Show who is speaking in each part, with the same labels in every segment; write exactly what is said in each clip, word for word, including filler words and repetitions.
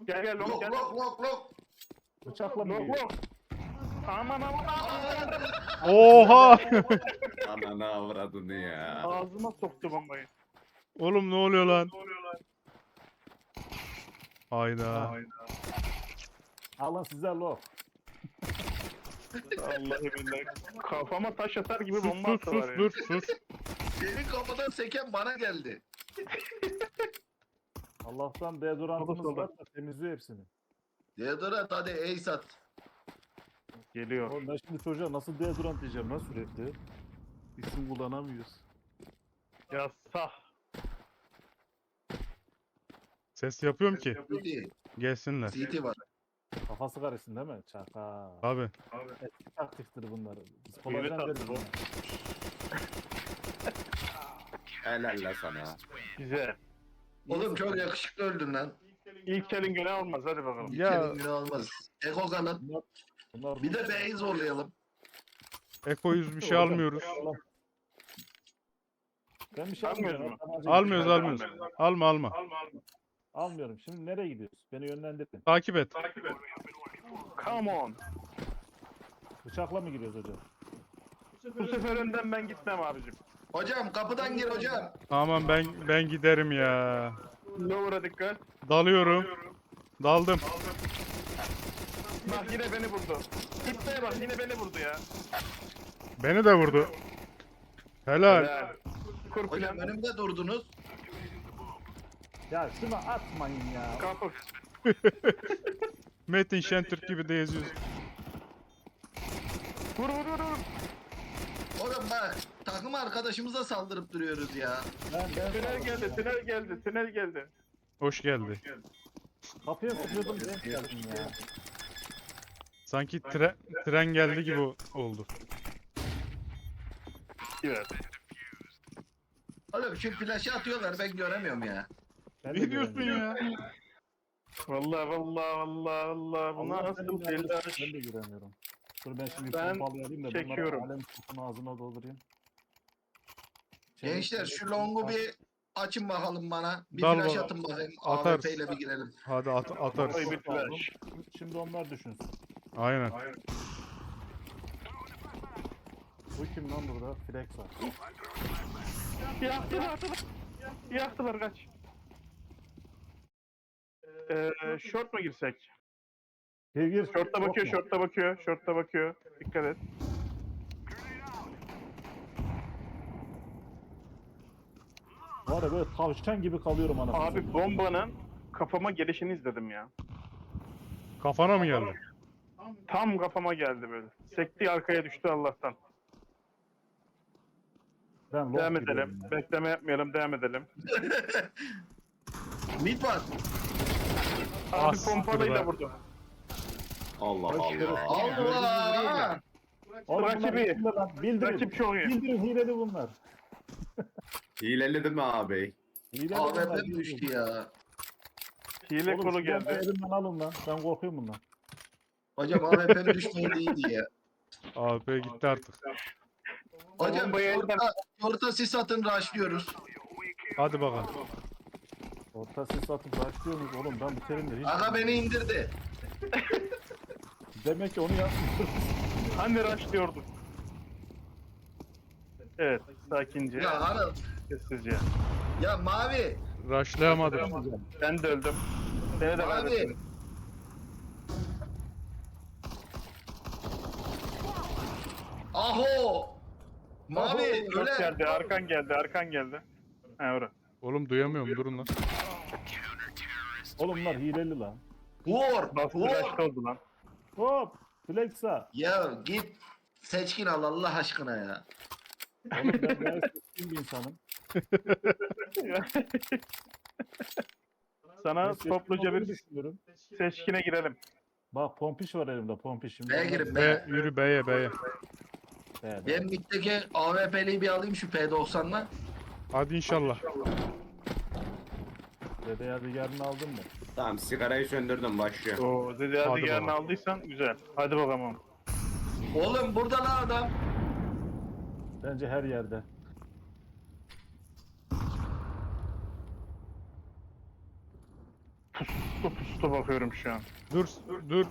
Speaker 1: Gel gel long
Speaker 2: Lok
Speaker 1: gel.
Speaker 2: lok lok lok.
Speaker 3: Bıçakla mı
Speaker 1: Long
Speaker 3: geliyor?
Speaker 1: long. Aman aman aman.
Speaker 4: Oha!
Speaker 2: Ananı avradını ya.
Speaker 1: Ağzıma soktu bombayı.
Speaker 4: Oğlum ne oluyor lan?
Speaker 1: Ne oluyor lan?
Speaker 4: Hayda.
Speaker 3: Alın size lo.
Speaker 1: Vallahi billahi. Kafama taş atar gibi
Speaker 4: Sus
Speaker 1: bomba
Speaker 4: sus
Speaker 1: attılar
Speaker 4: sus
Speaker 1: ya.
Speaker 4: dur sus.
Speaker 2: Senin kafadan seken bana geldi.
Speaker 3: Allah'tan deodorantımız
Speaker 1: Solda,
Speaker 3: var da temizliyor hepsini.
Speaker 2: Deodorant hadi ey sat.
Speaker 1: Geliyor.
Speaker 3: Oğlum ben şimdi çocuğa nasıl deodorant diyeceğim lan sürekli. İsim kullanamıyoruz.
Speaker 1: Ya sah.
Speaker 4: Ses yapıyorum ki.
Speaker 2: City.
Speaker 4: Gelsinler.
Speaker 2: City var.
Speaker 3: Kafası karışsın değil mi? Çaka.
Speaker 4: Abi.
Speaker 3: Eski taktiktir bunlar. Biz
Speaker 1: Yeni
Speaker 3: kolajen
Speaker 1: taktik
Speaker 3: deriz
Speaker 1: bu.
Speaker 3: buna.
Speaker 2: Helal la sana.
Speaker 1: Güzel.
Speaker 2: Oğlum çok yakışıklı öldün lan.
Speaker 1: İlk elin günah olmaz hadi bakalım.
Speaker 2: Bir
Speaker 4: Ya.
Speaker 2: kelin günü olmaz. Eko kanat.
Speaker 3: Bunlar, bunlar
Speaker 2: Bir de B'yi zorlayalım.
Speaker 4: Eko yüz bir şey
Speaker 3: Hocam,
Speaker 4: almıyoruz.
Speaker 3: Ben bir şey
Speaker 1: Almıyoruz
Speaker 3: almıyorum.
Speaker 1: mu?
Speaker 3: Tabanca
Speaker 4: Almıyoruz
Speaker 3: gibi.
Speaker 4: almıyoruz. Alma alma.
Speaker 1: Alma alma.
Speaker 3: Almıyorum. Şimdi nereye gidiyoruz? Beni yönlendirin.
Speaker 4: Takip et.
Speaker 1: Takip et. Come on.
Speaker 3: Bıçakla mı giriyoruz hocam?
Speaker 1: Bu sefer önden ben gitmem abicim.
Speaker 2: Hocam kapıdan gir hocam.
Speaker 4: Aman ben ben giderim ya.
Speaker 1: Lower'a dikkat.
Speaker 4: Dalıyorum. Daldım.
Speaker 1: Bak yine beni vurdu. Gitmeye bak yine beni vurdu ya.
Speaker 4: Beni de vurdu. Helal.
Speaker 1: Helal. Kur
Speaker 2: Hocam
Speaker 1: plan.
Speaker 2: önümde durdunuz.
Speaker 3: Ya şunu atmayın ya.
Speaker 1: Kapı.
Speaker 4: Metin Şentürk gibi de yazıyoruz.
Speaker 1: Vur vur vur vur.
Speaker 2: Oğlum bak takım arkadaşımıza saldırıp duruyoruz ya.
Speaker 3: Ben, ben
Speaker 1: Tünel geldi, tünel geldi, tünel geldi.
Speaker 4: Hoş geldi.
Speaker 3: kapıya sıkıyordum. Ben geldim ya.
Speaker 4: Sanki tre- tren geldi gibi o- oldu.
Speaker 1: Evet.
Speaker 2: Oğlum şu flaşı atıyorlar ben göremiyorum ya.
Speaker 3: Ben de
Speaker 4: Ne diyorsun
Speaker 3: göremiyorum.
Speaker 4: ya?
Speaker 1: Vallahi vallahi vallahi vallahi bu
Speaker 3: Allah
Speaker 1: nasıl
Speaker 3: benim
Speaker 1: deli
Speaker 3: yardımcım,
Speaker 1: aş.
Speaker 3: ben de göremiyorum. Dur ben şimdi
Speaker 1: Ben
Speaker 3: pompalı alayım da
Speaker 1: çekiyorum.
Speaker 3: bunları alem kutunun ağzına doldurayım. Şey,
Speaker 2: Gençler şu longu bir açın bakalım bana. Bir
Speaker 4: Dal
Speaker 2: flash
Speaker 4: bana.
Speaker 2: atın bakayım.
Speaker 4: Atarız.
Speaker 2: A W P ile bir girelim.
Speaker 4: Hadi at atarız.
Speaker 1: Oy bir flash.
Speaker 3: Şimdi onlar düşünsün.
Speaker 4: Aynen.
Speaker 3: Bu kim lan burada? Flex var.
Speaker 1: Yaktılar, yaktılar. Yaktılar kaç. Ee, short mu girsek?
Speaker 3: Gir gir.
Speaker 1: Short'ta bakıyor,
Speaker 3: Korkma.
Speaker 1: short'ta bakıyor, short'ta bakıyor. Dikkat et.
Speaker 3: Var ya böyle tavşan gibi kalıyorum anasını.
Speaker 1: Abi bombanın kafama gelişini izledim ya.
Speaker 4: Kafana mı geldi?
Speaker 1: Tam kafama geldi böyle. Sekti arkaya düştü Allah'tan.
Speaker 3: Ben lock
Speaker 1: Devam
Speaker 3: giriyorum
Speaker 1: edelim.
Speaker 3: ya.
Speaker 1: Bekleme yapmayalım, devam edelim.
Speaker 2: Mid var.
Speaker 4: Ah,
Speaker 1: Abi
Speaker 4: siktir
Speaker 1: pompalıyla
Speaker 4: be.
Speaker 1: vurdu.
Speaker 2: Allah
Speaker 3: Allah.
Speaker 2: Allah.
Speaker 3: Oğlum bunlar
Speaker 1: Rakibi.
Speaker 3: hileli lan. Bildirin.
Speaker 1: Rakip çok iyi.
Speaker 3: Bildirin hileli bunlar.
Speaker 5: Hileli değil mi abi?
Speaker 3: Hileli
Speaker 2: A W
Speaker 3: bunlar.
Speaker 2: P
Speaker 3: bildirin.
Speaker 2: düştü ya.
Speaker 1: Hile
Speaker 3: Oğlum
Speaker 1: kolu
Speaker 3: şu bombayı
Speaker 1: geldi.
Speaker 3: elimden alın lan. Ben korkuyorum bundan.
Speaker 2: Hocam A W P'nin düşmeydi iyiydi ya.
Speaker 4: Abi gitti artık.
Speaker 2: Hocam
Speaker 1: Bombayı
Speaker 2: orta, orta sis atın rushlıyoruz.
Speaker 4: Hadi bakalım.
Speaker 3: Orta ses atıp başlıyorsunuz oğlum ben bu terimleri hiç...
Speaker 2: Aga beni indirdi.
Speaker 3: Demek ki onu yapmıyoruz.
Speaker 1: Hani rush diyorduk. Evet, sakince,
Speaker 2: Ya Anıl.
Speaker 1: sessizce.
Speaker 2: Ya Mavi.
Speaker 4: Rushlayamadım.
Speaker 1: Ben de öldüm. Seni de
Speaker 2: Mavi.
Speaker 1: kaybettim.
Speaker 2: Aho. Mavi
Speaker 1: Çok
Speaker 2: öyle.
Speaker 1: geldi, arkan geldi, arkan geldi. Ha ora.
Speaker 4: Oğlum duyamıyorum durun lan.
Speaker 3: Oğlum bunlar hileli lan.
Speaker 2: Vur.
Speaker 1: Bastı
Speaker 2: Vur.
Speaker 1: rush oldu lan.
Speaker 3: Hop! Flexa!
Speaker 2: Ya git. Seçkin al Allah aşkına ya.
Speaker 3: Oğlum ben gayet seçkin bir insanım.
Speaker 1: Sana
Speaker 3: Ben seçkin
Speaker 1: topluca
Speaker 3: olduğumu
Speaker 1: bir
Speaker 3: düşünüyorum.
Speaker 1: seçkine girelim.
Speaker 3: Bak pompiş var elimde pompiş. Şimdi
Speaker 2: B'ye
Speaker 3: onlar-
Speaker 2: girin
Speaker 4: Be
Speaker 2: be.
Speaker 4: yürü beye beye.
Speaker 3: Be, be.
Speaker 2: Ben middeki A W P'liyi bir alayım şu P doksan'la.
Speaker 4: Hadi inşallah.
Speaker 3: Dede yadigarını aldın mı?
Speaker 5: Tamam sigarayı söndürdüm başlıyor.
Speaker 1: Oo, dedi
Speaker 4: Hadi
Speaker 1: hadi yarın
Speaker 4: bakalım.
Speaker 1: aldıysan güzel. Hadi bakalım.
Speaker 2: Oğlum burada lan adam.
Speaker 3: Bence her yerde.
Speaker 1: Pustu pustu Ghost'a bakıyorum şu an.
Speaker 4: Dur dur.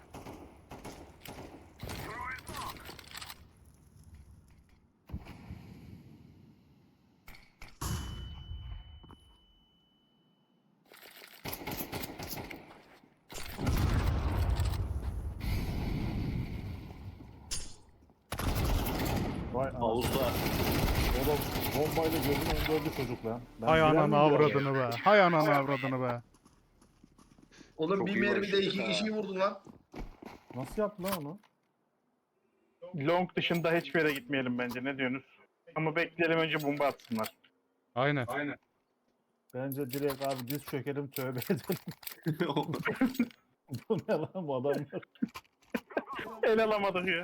Speaker 3: Vay anasını.
Speaker 5: Havuzda.
Speaker 3: Oğlum bombayla gözünü önünde öldü çocuk lan. Ben
Speaker 4: Hay
Speaker 3: girer
Speaker 4: ananı
Speaker 3: miyim ya?
Speaker 4: avradını be. Hay ananı avradını be.
Speaker 2: Oğlum
Speaker 5: Çok
Speaker 2: bir
Speaker 5: iyi
Speaker 2: mermide
Speaker 5: başladı
Speaker 2: iki
Speaker 5: ha.
Speaker 2: kişiyi vurdun lan.
Speaker 3: Nasıl yaptı lan onu?
Speaker 1: Long dışında hiçbir yere gitmeyelim bence. Ne diyorsunuz? Ama bekleyelim önce bomba atsınlar.
Speaker 4: Aynen.
Speaker 3: Bence direkt abi diz çökelim tövbe edelim. Bu ne lan bu adamlar?
Speaker 1: El alamadık ya.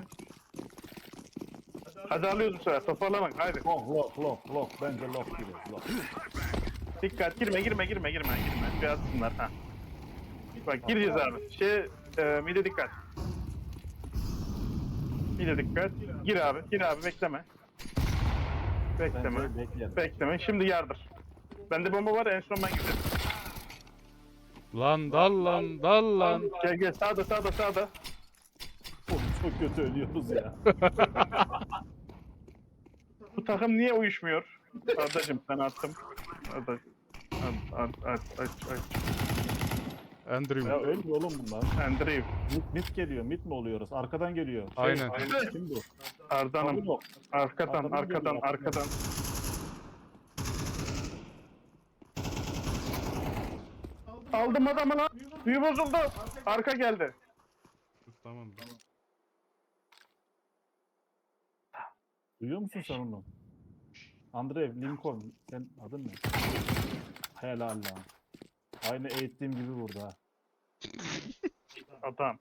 Speaker 1: Hadi alıyoruz bu sefer. Toparlamak. Haydi.
Speaker 3: Lock lock lock lock. Bence lock gibi. Lock.
Speaker 1: Dikkat. Girme girme girme girme girme. Bir atsınlar. Ha. Bak gireceğiz abi. Şey, e, mide dikkat. Mide dikkat. Gir abi. Gir abi. Bekleme. Bekleme.
Speaker 3: Bence bekleyelim.
Speaker 1: Bekleme. Şimdi yardır. Bende bomba var. En son ben giderim.
Speaker 4: Lan dal lan dal lan.
Speaker 1: Gel gel. Sağda sağda sağda.
Speaker 3: Oğlum çok kötü ölüyoruz ya.
Speaker 1: Bu takım niye uyuşmuyor? Ardacım ben attım. Arda. At, at, at, aç, aç.
Speaker 4: Andrew.
Speaker 3: Ya ölmüyor oğlum bunlar.
Speaker 1: Andrew.
Speaker 3: Mit, mit geliyor. Mit mi oluyoruz? Arkadan geliyor. Şey,
Speaker 4: Aynen.
Speaker 3: Kim bu?
Speaker 1: Ardanım.
Speaker 3: Abi yok.
Speaker 1: Arkadan,
Speaker 3: Arkadan
Speaker 1: arkadan,
Speaker 3: geliyor, arkadan.
Speaker 1: arkadan. Aldım adamı lan. Büyü bozuldu. Arka geldi.
Speaker 4: Tamam.
Speaker 3: Duyuyor musun sen onu? Andrew Lincoln. Sen adın ne? Helal lan. Aynı eğittiğim gibi vurdu ha.
Speaker 1: Adam.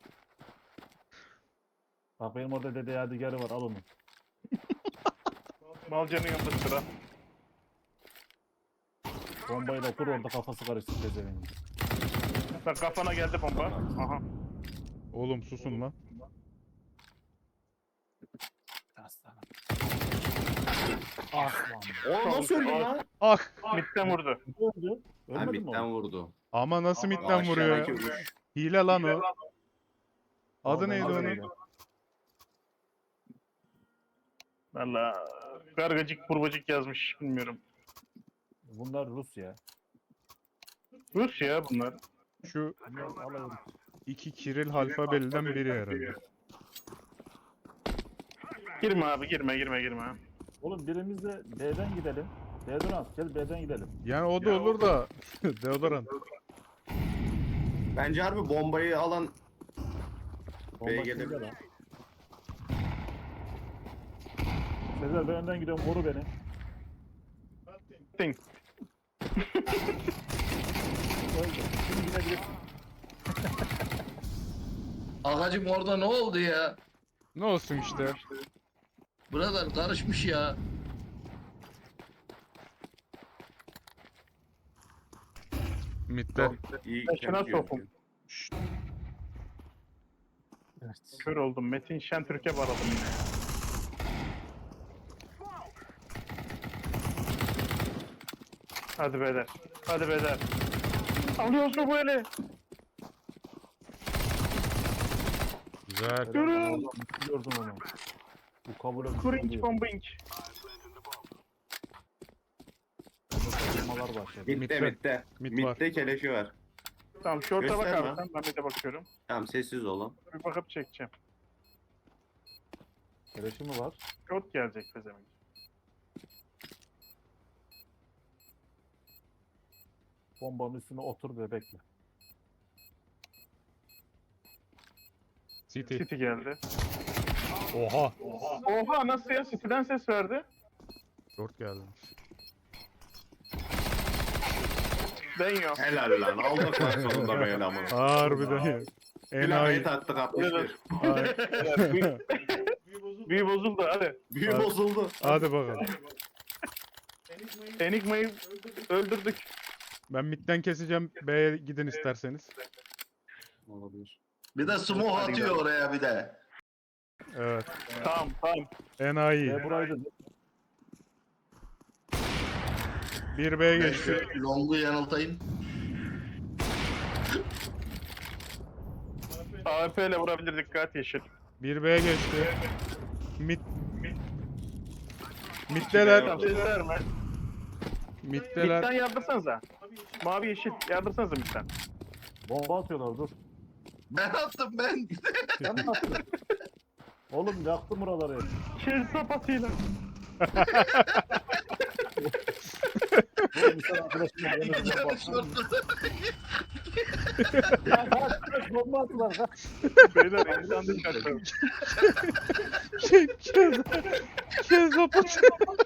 Speaker 3: Bak benim orada dede yadigarı var al onu.
Speaker 1: Malcanın yanında sıra.
Speaker 3: Bombayla kur orada kafası karışsın pezevenk.
Speaker 1: Bak kafana geldi bomba. Aha.
Speaker 4: Oğlum susun lan.
Speaker 3: Aslanım. Aslan.
Speaker 5: O nasıl öldü lan?
Speaker 4: Ah.
Speaker 1: Midden vurdu.
Speaker 3: Öldü.
Speaker 5: Ha
Speaker 3: Ölmedi mi
Speaker 5: bitten
Speaker 3: o?
Speaker 5: vurdu.
Speaker 4: Ama nasıl midden vuruyor
Speaker 5: Aşağıdaki
Speaker 4: ya?
Speaker 5: vuruş.
Speaker 4: Hile lan o. Adı
Speaker 3: Vallahi
Speaker 4: neydi
Speaker 3: adı
Speaker 4: onun?
Speaker 3: neydi?
Speaker 1: Valla gargacık burbacık yazmış bilmiyorum.
Speaker 3: Bunlar Rus ya.
Speaker 1: Rus ya bunlar.
Speaker 4: Şu
Speaker 3: Bunlar alay Rus.
Speaker 4: iki Kiril alfabeliden biri herhalde.
Speaker 1: Girme abi girme girme girme.
Speaker 3: Oğlum birimiz de B'den gidelim. Deodorant gel B'den gidelim.
Speaker 4: Yani o da olur da deodorant.
Speaker 5: Bence harbi bombayı alan
Speaker 3: Bomba
Speaker 5: B'ye
Speaker 3: kimde
Speaker 5: gelebilir.
Speaker 3: lan? Sezer ben önden gidiyorum koru beni.
Speaker 1: Ting.
Speaker 3: Öldü. Şimdi gidebilirsin.
Speaker 2: Ağacım orada ne oldu ya?
Speaker 4: Ne olsun işte.
Speaker 2: Buralar karışmış ya.
Speaker 4: Midde.
Speaker 5: iyi
Speaker 1: Ben şuna
Speaker 5: temizliyor.
Speaker 1: sokum.
Speaker 3: Evet.
Speaker 1: Kör oldum. Metin Şentürk'e bağladım yine. Hadi beyler. Hadi beyler. Alıyorsun bu eli.
Speaker 4: Güzel.
Speaker 1: Yürü.
Speaker 3: Gördüm onu. Bu kabul edilir.
Speaker 1: Kurinç bombing.
Speaker 3: Tartışmalar başladı.
Speaker 5: Mitte
Speaker 4: Mitte.
Speaker 5: mitte.
Speaker 4: Mid var.
Speaker 5: Mitte keleşi var.
Speaker 1: Tamam şorta bak
Speaker 5: Gösterme.
Speaker 1: abi sen. Ben bir de bakıyorum.
Speaker 5: Tamam sessiz olun.
Speaker 1: Bir bakıp çekeceğim.
Speaker 3: Keleşi mi var?
Speaker 1: Şort gelecek pezevenk.
Speaker 3: Bombanın üstüne otur ve bekle.
Speaker 4: City.
Speaker 1: City geldi.
Speaker 4: Oha.
Speaker 1: Oha nasıl ya? City'den ses verdi.
Speaker 4: Short geldi.
Speaker 1: Ben yok.
Speaker 5: Helal lan. Aldık lan sonunda be adamı.
Speaker 4: Harbiden ya.
Speaker 5: Plamayı
Speaker 4: Enayi.
Speaker 5: taktık altmış bir.
Speaker 4: Ay.
Speaker 1: Büyü bozuldu hadi.
Speaker 5: Büyü
Speaker 4: Hadi.
Speaker 5: bozuldu.
Speaker 4: Hadi bakalım.
Speaker 1: Enigma'yı öldürdük.
Speaker 4: Ben midden keseceğim. B'ye gidin isterseniz.
Speaker 5: Olabilir.
Speaker 2: Bir de smoke
Speaker 5: Hadi
Speaker 2: atıyor
Speaker 5: gidelim.
Speaker 2: oraya bir de.
Speaker 4: Evet.
Speaker 1: Tamam tamam.
Speaker 4: Enayi.
Speaker 3: Ve burayı da
Speaker 4: Bir B'ye
Speaker 2: Ben
Speaker 4: geçti.
Speaker 2: şu longu yanıltayım.
Speaker 1: A W P ile vurabilir, dikkat yeşil.
Speaker 4: bir B'ye geçti. Mid. Middeler.
Speaker 1: Tamam, ses verme.
Speaker 4: Middeler.
Speaker 1: Mid'den yardırsanıza. Mavi yeşil yardırsanıza mid'den.
Speaker 3: Bomba atıyorlar dur.
Speaker 2: Ben attım ben.
Speaker 3: Sen mi attın? Oğlum yaktım buraları.
Speaker 1: Kes sapatıyla.
Speaker 3: Oğlum sen arkadaşımla yanınıza
Speaker 2: Yani
Speaker 3: bak.
Speaker 2: şortlu.
Speaker 3: Ya kaç kaç bomba attılar kaç.
Speaker 1: Beyler insan dışarı.
Speaker 4: Şey, kez, kez kapat.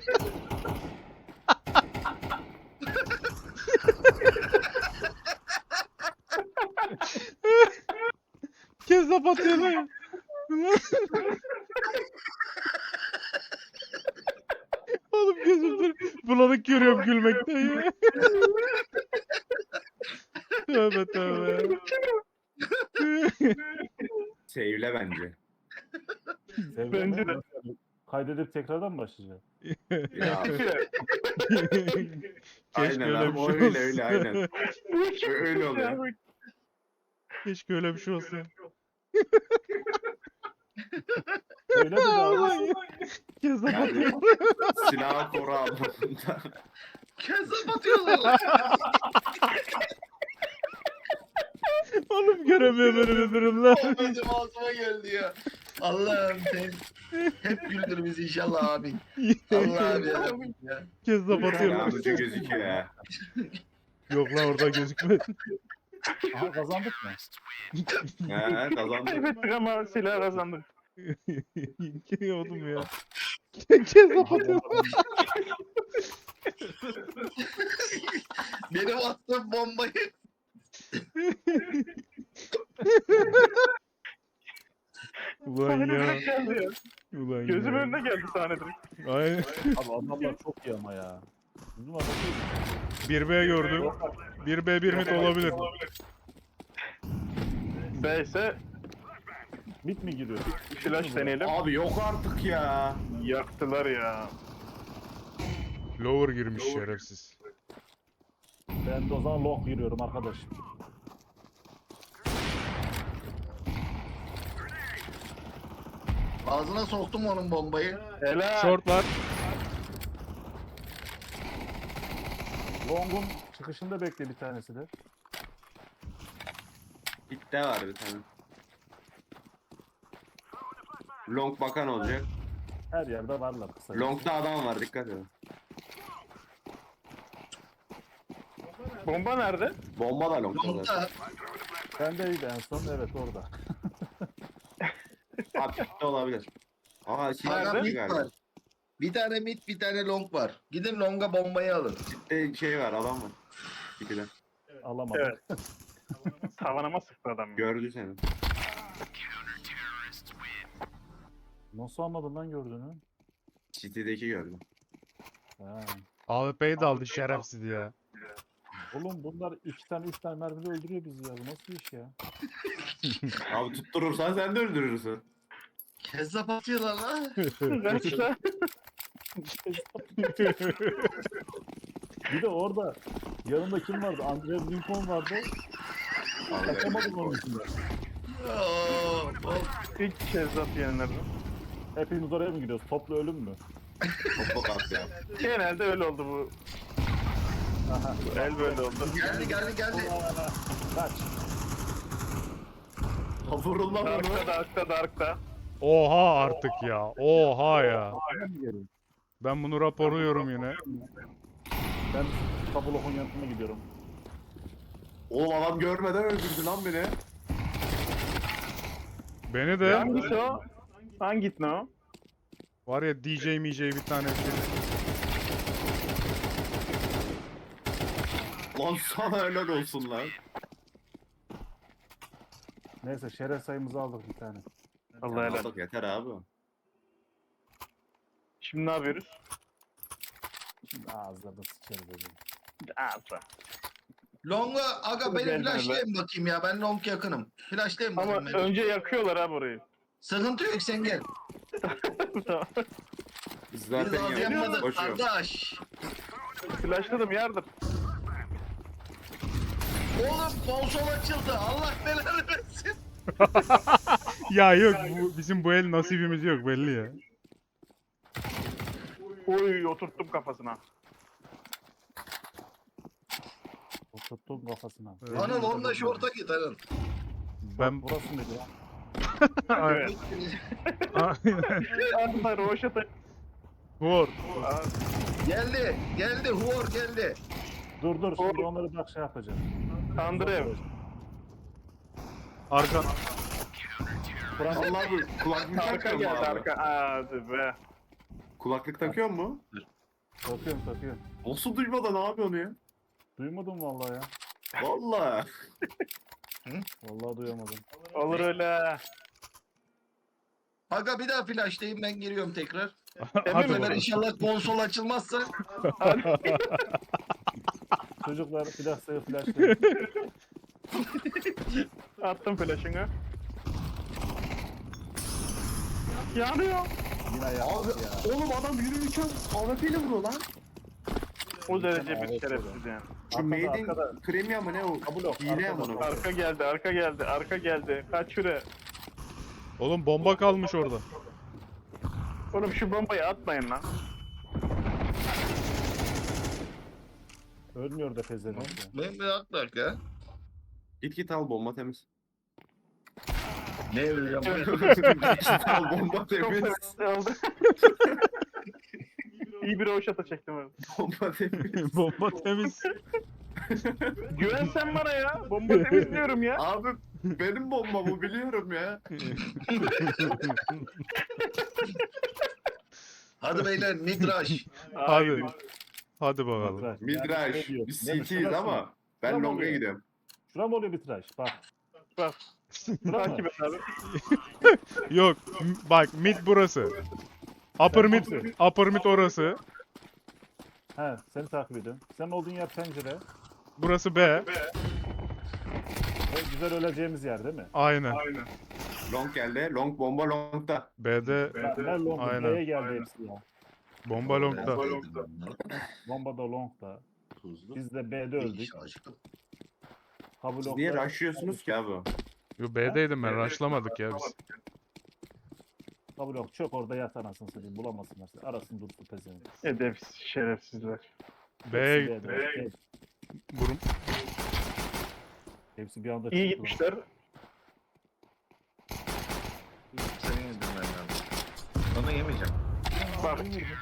Speaker 4: Kez kapatıyorlar ya. Oğlum gözümden bulanık görüyorum gülmekten ya. Tövbe tövbe.
Speaker 5: Sevle bence.
Speaker 3: Sevgili
Speaker 1: Bence de.
Speaker 3: Kaydedip tekrardan mı başlayacağız?
Speaker 5: Ya,
Speaker 4: Keşke
Speaker 5: aynen
Speaker 4: öyle
Speaker 5: abi
Speaker 4: bir
Speaker 5: o
Speaker 4: şey
Speaker 5: öyle
Speaker 4: olsa.
Speaker 5: öyle aynen. Öyle oluyor.
Speaker 4: Keşke öyle bir şey olsa.
Speaker 3: Öyle mi
Speaker 4: Ulan
Speaker 3: abi?
Speaker 4: ya. Kez
Speaker 5: Yani
Speaker 4: kapatıyor.
Speaker 5: silahı koru anlamında.
Speaker 2: Kese batıyorlar.
Speaker 4: Oğlum göremiyorum öyle bir durumlar.
Speaker 2: O benim ağzıma geldi ya. Allah'ım sen hep güldür bizi inşallah abi. Allah abi yarabbim ya.
Speaker 4: Kez kapatıyor.
Speaker 5: Yardımcı gözüküyor ya.
Speaker 4: Yok lan orada gözükmez.
Speaker 3: Aha kazandık mı?
Speaker 5: He kazandı.
Speaker 1: Kaybettik ama silah kazandık.
Speaker 4: Oğlum ya. Kez kapatıyor.
Speaker 2: Benim attığım bombayı
Speaker 4: Ulan
Speaker 1: Sahne
Speaker 4: ya.
Speaker 1: direkt geldi ya.
Speaker 4: Ulan
Speaker 1: Gözüm
Speaker 4: ya.
Speaker 1: önüne geldi sahne direkt.
Speaker 4: Aynen.
Speaker 3: Abi adamlar çok iyi ama ya. Bizim adam değil.
Speaker 4: bir B gördüm. bir B bir mid olabilir.
Speaker 1: B ise
Speaker 3: Mit mi giriyor?
Speaker 1: flash deneyelim.
Speaker 5: Abi yok artık ya.
Speaker 1: Yaktılar ya.
Speaker 4: Lower girmiş şerefsiz.
Speaker 3: Ben de o zaman long giriyorum arkadaş.
Speaker 2: ağzına soktum onun bombayı.
Speaker 1: Helal.
Speaker 4: Shortlar.
Speaker 3: Long'un çıkışında bekle bir tanesi de.
Speaker 5: İtte var bir tane. Long bakan olacak.
Speaker 3: Her yerde varlar kısa.
Speaker 5: Long'da adam var dikkat edin.
Speaker 1: Bomba nerede?
Speaker 5: Bomba da long'da.
Speaker 2: Long'da
Speaker 3: Bendeydi en son, evet orada.
Speaker 5: Abi itte olabilir. Aa şey
Speaker 2: aga
Speaker 1: Nerede?
Speaker 2: mid var. Bir tane mid bir tane long var. Gidin longa bombayı alın.
Speaker 5: İtte şey var adam var. İkide.
Speaker 3: Alamadım.
Speaker 1: Evet. Tavanıma sıktı adam. ya.
Speaker 5: Gördü seni.
Speaker 3: Nasıl anladın lan gördüğünü?
Speaker 5: City'deki gördü.
Speaker 3: Ha.
Speaker 4: A W P'yi de aldı şerefsiz ya.
Speaker 3: Oğlum bunlar iki tane üç tane mermide öldürüyor bizi ya. Bu nasıl iş ya?
Speaker 5: Abi tutturursan sen de öldürürsün.
Speaker 2: Kezzap atıyorlar lan.
Speaker 1: Kaçta?
Speaker 3: Bir de orada yanında kim vardı? Andrew Lincoln vardı. Kaçamadım onun içinde.
Speaker 2: Oo, oo.
Speaker 1: İlk kez at yenilirdi.
Speaker 3: Hepimiz oraya mı gidiyoruz? Toplu ölüm mü?
Speaker 5: Topa kalktı ya.
Speaker 1: Genelde öyle oldu bu.
Speaker 3: Aha.
Speaker 1: El böyle oldu.
Speaker 2: Geldi geldi geldi.
Speaker 3: Kaç.
Speaker 5: Vurulma vurma.
Speaker 1: Dark'ta, Dark'ta, Dark'ta.
Speaker 4: Oha artık ya. Oha ya.
Speaker 3: Ben mi geleyim?
Speaker 4: Ben bunu raporluyorum yine.
Speaker 3: Ben Tabulok'un yanına gidiyorum.
Speaker 5: Oğlum adam görmeden öldürdü lan beni.
Speaker 4: Beni de
Speaker 1: Hangisi o? Hangi ne o?
Speaker 4: var ya D J M J bir tane şey.
Speaker 5: Lan sana helal olsun lan.
Speaker 3: Neyse şeref sayımızı aldık bir tane.
Speaker 1: Allah helal.
Speaker 5: Aldık yeter abi.
Speaker 1: Şimdi ne yapıyoruz?
Speaker 3: Şimdi ağızlarına sıçarız dedim.
Speaker 1: Ağza.
Speaker 2: Longa aga beni
Speaker 1: Geldi
Speaker 2: flashlayın bakayım ya. Ben long yakınım. Flashlayın
Speaker 1: Ama
Speaker 2: bakayım beni.
Speaker 1: önce yakıyorlar ha burayı.
Speaker 2: Sıkıntı yok sen gel.
Speaker 5: Biz
Speaker 2: Biz
Speaker 5: zaten
Speaker 2: az
Speaker 5: yanıyoruz.
Speaker 2: yanmadık
Speaker 5: Koşuyorum.
Speaker 2: kardeş.
Speaker 1: Flashladım yardım.
Speaker 2: Oğlum konsol açıldı. Allah belanı versin.
Speaker 4: Ya yok bu, bizim bu el nasibimiz yok belli ya.
Speaker 1: Oy oturttum kafasına.
Speaker 3: Oturttum kafasına.
Speaker 4: Evet.
Speaker 2: Anıl onunla şorta git Anıl.
Speaker 4: Ben
Speaker 3: Burası mıydı ya?
Speaker 1: Evet. Arda roşata.
Speaker 4: Vur.
Speaker 2: Geldi. Geldi. Huor geldi.
Speaker 3: Dur dur şimdi onları bak şey yapacağım.
Speaker 1: Andrev.
Speaker 4: Arkan.
Speaker 3: Kur'an
Speaker 5: Allah abi kulaklık
Speaker 1: Arka
Speaker 5: takıyor mu
Speaker 1: geldi
Speaker 5: abi?
Speaker 1: arka. Hadi be.
Speaker 5: Kulaklık takıyor mu?
Speaker 3: takıyorum takıyorum.
Speaker 5: Nasıl duymadan ne yapıyorsun ya?
Speaker 3: Duymadım vallahi ya.
Speaker 5: Valla.
Speaker 3: Vallahi duyamadım.
Speaker 1: Olur öyle.
Speaker 2: Aga bir daha flashlayayım ben giriyorum tekrar.
Speaker 4: Hadi
Speaker 2: Bu sefer
Speaker 4: bakalım.
Speaker 2: inşallah konsol açılmazsa
Speaker 3: Çocuklar flash sayı flashlayın.
Speaker 1: Attım flash'ını. Yanıyor.
Speaker 3: Yine
Speaker 5: Abi
Speaker 3: yaptık ya.
Speaker 5: oğlum adam yürürken A W P ile vuruyor lan.
Speaker 1: O derece
Speaker 3: Evet,
Speaker 1: bir şerefsiz yani.
Speaker 5: Şu
Speaker 3: Arkada,
Speaker 5: Made
Speaker 3: arkada.
Speaker 5: in Premium mı ne o?
Speaker 3: Kabul yok,
Speaker 5: Hile
Speaker 3: arkada.
Speaker 5: ama onu.
Speaker 1: Arka geldi, arka geldi, arka geldi. Kaç şuraya.
Speaker 4: Oğlum bomba kalmış orada.
Speaker 1: Oğlum şu bombayı atmayın lan.
Speaker 3: Ölmüyor da pezevenk ya.
Speaker 2: ben bir at dakika.
Speaker 5: Git git al bomba temiz.
Speaker 2: Ne öleceğim?
Speaker 5: Git al bomba
Speaker 1: Çok
Speaker 5: temiz.
Speaker 1: sevinçli oldu. İyi bir roşata çektim abi.
Speaker 5: Bomba temiz.
Speaker 4: Bomba temiz.
Speaker 1: Güven sen bana ya. Bomba temiz diyorum ya.
Speaker 5: Abi benim bomba bu biliyorum ya.
Speaker 2: Hadi beyler midrash.
Speaker 4: Hadi. Hadi bakalım.
Speaker 3: Mitraş.
Speaker 5: Midrash.
Speaker 3: Yani şey diyor,
Speaker 5: Biz
Speaker 3: değil mi?
Speaker 5: C T'yiz
Speaker 3: Şurası
Speaker 5: ama
Speaker 3: mı?
Speaker 5: ben
Speaker 3: Şurası
Speaker 5: long'a
Speaker 3: oluyor.
Speaker 5: gidiyorum.
Speaker 3: Şura mı oluyor mitraş? Bak.
Speaker 1: Bak.
Speaker 3: Şura mı?
Speaker 1: Takip et abi.
Speaker 4: Yok m- bak mid burası. Upper mid, upper mid orası.
Speaker 3: He seni takip ediyorum. Senin olduğun yer pencere.
Speaker 4: Burası B.
Speaker 3: Ve güzel öleceğimiz yer değil mi?
Speaker 4: Aynen.
Speaker 5: Long geldi. Long bomba long'da.
Speaker 4: B'de
Speaker 3: Ben long
Speaker 4: Aynen.
Speaker 3: B'ye geldi hepsi ya.
Speaker 4: bomba longda.
Speaker 3: Bomba da long da.
Speaker 2: Tuzlu.
Speaker 3: Biz de B'de öldük. Kabul
Speaker 5: Siz niye rushlıyorsunuz ki abi?
Speaker 4: Yo B'deydim ben rushlamadık ya biz.
Speaker 3: Kabul yok. Çok orada yat anasını satayım. Bulamasınlar. seni. Arasın dursun pezevenk.
Speaker 1: Edepsiz şerefsizler.
Speaker 4: B'ye
Speaker 3: Hepsi
Speaker 4: gitti.
Speaker 3: B'de. Hepsi-
Speaker 4: Burum.
Speaker 3: Hepsi bir anda
Speaker 1: İyi
Speaker 3: çıktı.
Speaker 1: gitmişler.
Speaker 2: Seni yedim ben lazım. Onu yemeyeceğim.
Speaker 1: Bak.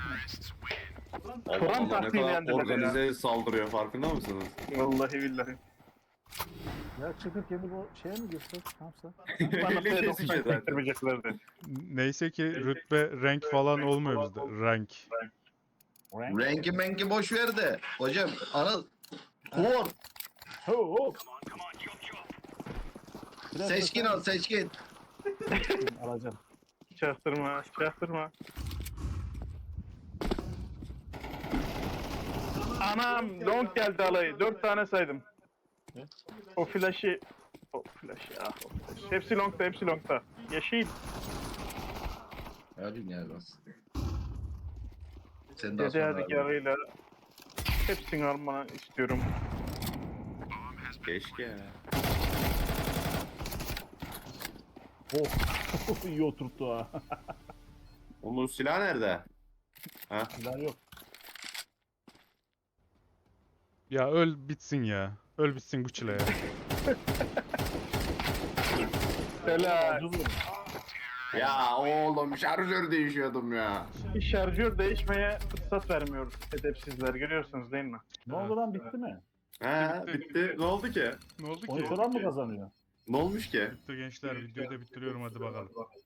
Speaker 1: Turan
Speaker 5: Allah ne
Speaker 1: taktiğini
Speaker 5: kadar
Speaker 1: yendiler ya.
Speaker 5: organize saldırıyor farkında mısınız?
Speaker 1: Vallahi billahi.
Speaker 3: Ya çıkıp kendi bu şeye mi girsek? Ne yapsak?
Speaker 1: Bana
Speaker 5: Eli kesici zaten.
Speaker 1: çektirmeyeceklerdi.
Speaker 4: Neyse ki rütbe rank falan olmuyor bizde. Rank.
Speaker 3: Rank.
Speaker 2: Renki menki boş ver de. Hocam Anıl. Huor.
Speaker 3: Ho ho. Biraz
Speaker 2: Seçkin
Speaker 3: da-
Speaker 2: al seçkin.
Speaker 3: Alacağım.
Speaker 1: Çaktırma, çaktırma. Anam, long geldi alayı. Dört tane saydım. O flash'i... O flash'i ah o flash. Hepsi longta, hepsi longta. Yeşil.
Speaker 2: Hadi ne lazım. Sen daha
Speaker 1: Dede
Speaker 2: sonra.
Speaker 1: hadi yarıyla. Hepsini almanı istiyorum.
Speaker 5: Keşke.
Speaker 3: Oh. İyi oturttu ha.
Speaker 5: Onun silahı nerede? Ha?
Speaker 3: Silah yok.
Speaker 4: Ya öl bitsin ya. Öl bitsin bu çile ya.
Speaker 1: Helal.
Speaker 3: Ucuz mu?
Speaker 5: Ya oğlum şarjör değişiyordum ya.
Speaker 1: Şarjör değişmeye fırsat vermiyor edepsizler. Görüyorsunuz değil mi?
Speaker 3: Ne oldu lan bitti mi?
Speaker 5: He bitti. Ne oldu ki?
Speaker 4: Ne oldu ki?
Speaker 3: on iki olan mı kazanıyor?
Speaker 5: Ne olmuş ki?
Speaker 4: Bitti gençler videoyu da bitiriyorum hadi bakalım.